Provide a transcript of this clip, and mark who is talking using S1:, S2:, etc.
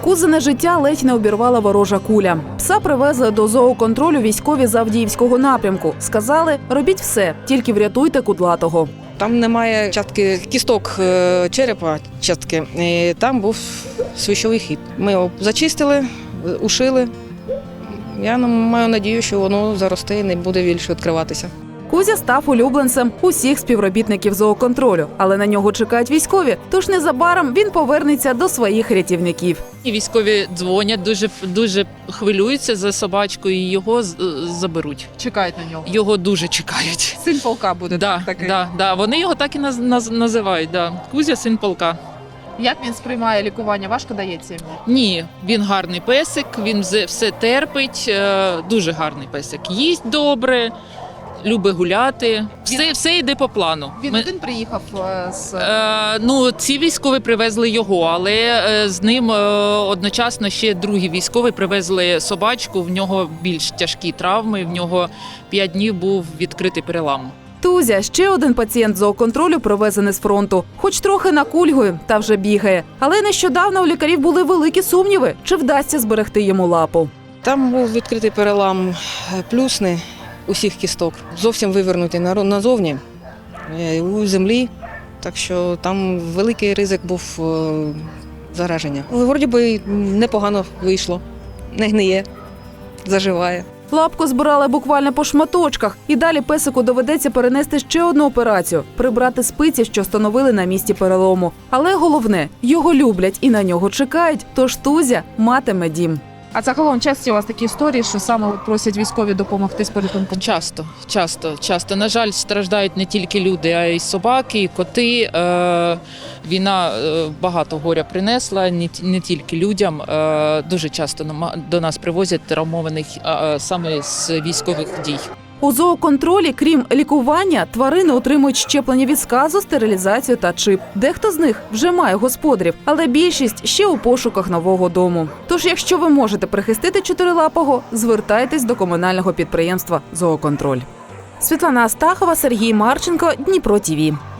S1: Кузине життя ледь не обірвала ворожа куля. Пса привезли до зооконтролю військові з Авдіївського напрямку. Сказали, робіть все, тільки врятуйте кудлатого.
S2: Там немає частки кісток черепа, частки. І там був свищовий хід. Ми його зачистили, ушили. Я маю надію, що воно заросте і не буде більше відкриватися.
S1: Кузя став улюбленцем усіх співробітників зооконтролю, але на нього чекають військові, тож незабаром він повернеться до своїх рятівників.
S3: І військові дзвонять, дуже хвилюються за собачку і його заберуть.
S4: Чекають на нього.
S3: Його дуже чекають.
S4: Син полка буде такий.
S3: Да. Вони його так і називають. Да. Кузя – син полка.
S4: Як він сприймає лікування? Важко дається йому?
S3: Ні, він гарний песик, він все терпить, дуже гарний песик. Їсть добре, любить гуляти, все йде по плану.
S4: Він один приїхав з…
S3: Ці військові привезли його, але з ним одночасно ще другі військові привезли собачку, в нього більш тяжкі травми, в нього 5 днів був відкритий перелам.
S1: Тузя – ще один пацієнт зооконтролю, привезений з фронту. Хоч трохи накульгує та вже бігає. Але нещодавно у лікарів були великі сумніви, чи вдасться зберегти йому лапу.
S2: Там був відкритий перелам плюсний усіх кісток, зовсім вивернутий назовні, у землі. Так що там великий ризик був зараження. Але вроді би непогано вийшло, не гниє, заживає.
S1: Лапку збирали буквально по шматочках. І далі песику доведеться перенести ще одну операцію – прибрати спиці, що встановили на місці перелому. Але головне – його люблять і на нього чекають, тож Тузя матиме дім.
S4: А загалом часто у вас такі історії, що саме просять військові допомогти з порятунком?
S3: Часто. На жаль, страждають не тільки люди, а й собаки, і коти. Війна багато горя принесла, не тільки людям. Дуже часто до нас привозять травмованих саме з військових дій.
S1: У зооконтролі, крім лікування, тварини отримують щеплення від сказу, стерилізацію та чип. Дехто з них вже має господарів, але більшість ще у пошуках нового дому. Тож, якщо ви можете прихистити чотирилапого, звертайтесь до комунального підприємства «Зооконтроль». Світлана Астахова, Сергій Марченко, Дніпро ТІВІ.